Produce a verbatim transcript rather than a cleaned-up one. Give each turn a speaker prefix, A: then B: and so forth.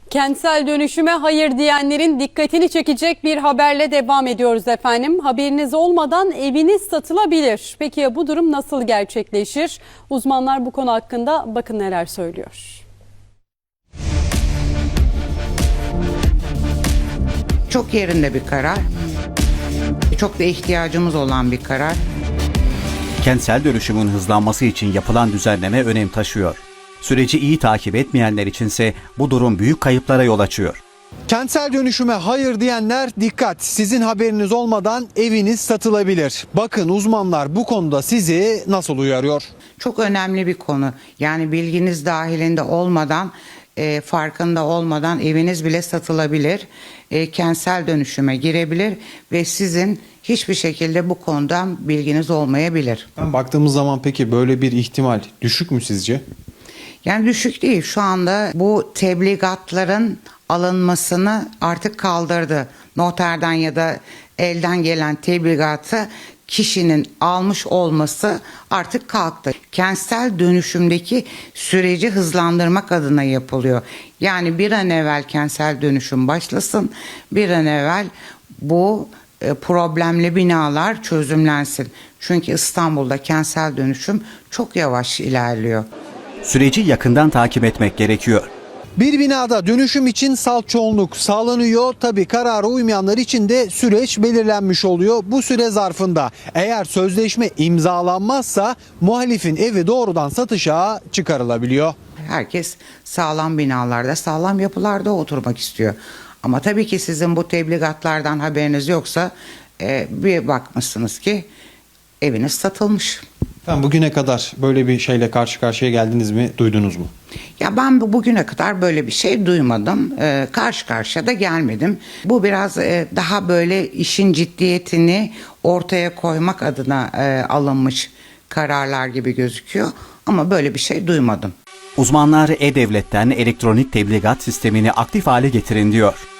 A: Kentsel dönüşüme hayır diyenlerin dikkatini çekecek bir haberle devam ediyoruz efendim. Haberiniz olmadan eviniz satılabilir. Peki ya bu durum nasıl gerçekleşir? Uzmanlar bu konu hakkında bakın neler söylüyor.
B: Çok yerinde bir karar. Çok da ihtiyacımız olan bir karar.
C: Kentsel dönüşümün hızlanması için yapılan düzenleme önem taşıyor. Süreci iyi takip etmeyenler içinse bu durum büyük kayıplara yol açıyor.
D: Kentsel dönüşüme hayır diyenler dikkat. Sizin haberiniz olmadan eviniz satılabilir. Bakın uzmanlar bu konuda sizi nasıl uyarıyor?
B: Çok önemli bir konu. Yani bilginiz dahilinde olmadan, e, farkında olmadan eviniz bile satılabilir. E, kentsel dönüşüme girebilir ve sizin hiçbir şekilde bu konudan bilginiz olmayabilir.
D: Ben baktığımız zaman peki böyle bir ihtimal düşük mü sizce?
B: Yani düşük değil. Şu anda bu tebligatların alınmasını artık kaldırdı. Noterden ya da elden gelen tebligatı kişinin almış olması artık kalktı. Kentsel dönüşümdeki süreci hızlandırmak adına yapılıyor. Yani bir an evvel kentsel dönüşüm başlasın, bir an evvel bu problemli binalar çözümlensin. Çünkü İstanbul'da kentsel dönüşüm çok yavaş ilerliyor.
C: Süreci yakından takip etmek gerekiyor.
D: Bir binada dönüşüm için salt çoğunluk sağlanıyor. Tabii karara uymayanlar için de süreç belirlenmiş oluyor. Bu süre zarfında eğer sözleşme imzalanmazsa muhalifin evi doğrudan satışa çıkarılabiliyor.
B: Herkes sağlam binalarda, sağlam yapılarda oturmak istiyor. Ama tabii ki sizin bu tebligatlardan haberiniz yoksa e, bir bakmışsınız ki eviniz satılmış.
D: Ben bugüne kadar böyle bir şeyle karşı karşıya geldiniz mi, duydunuz mu?
B: Ya ben bu bugüne kadar böyle bir şey duymadım. Ee, karşı karşıya da gelmedim. Bu biraz e, daha böyle işin ciddiyetini ortaya koymak adına e, alınmış kararlar gibi gözüküyor. Ama böyle bir şey duymadım.
C: Uzmanlar E-Devlet'ten elektronik tebligat sistemini aktif hale getirin diyor.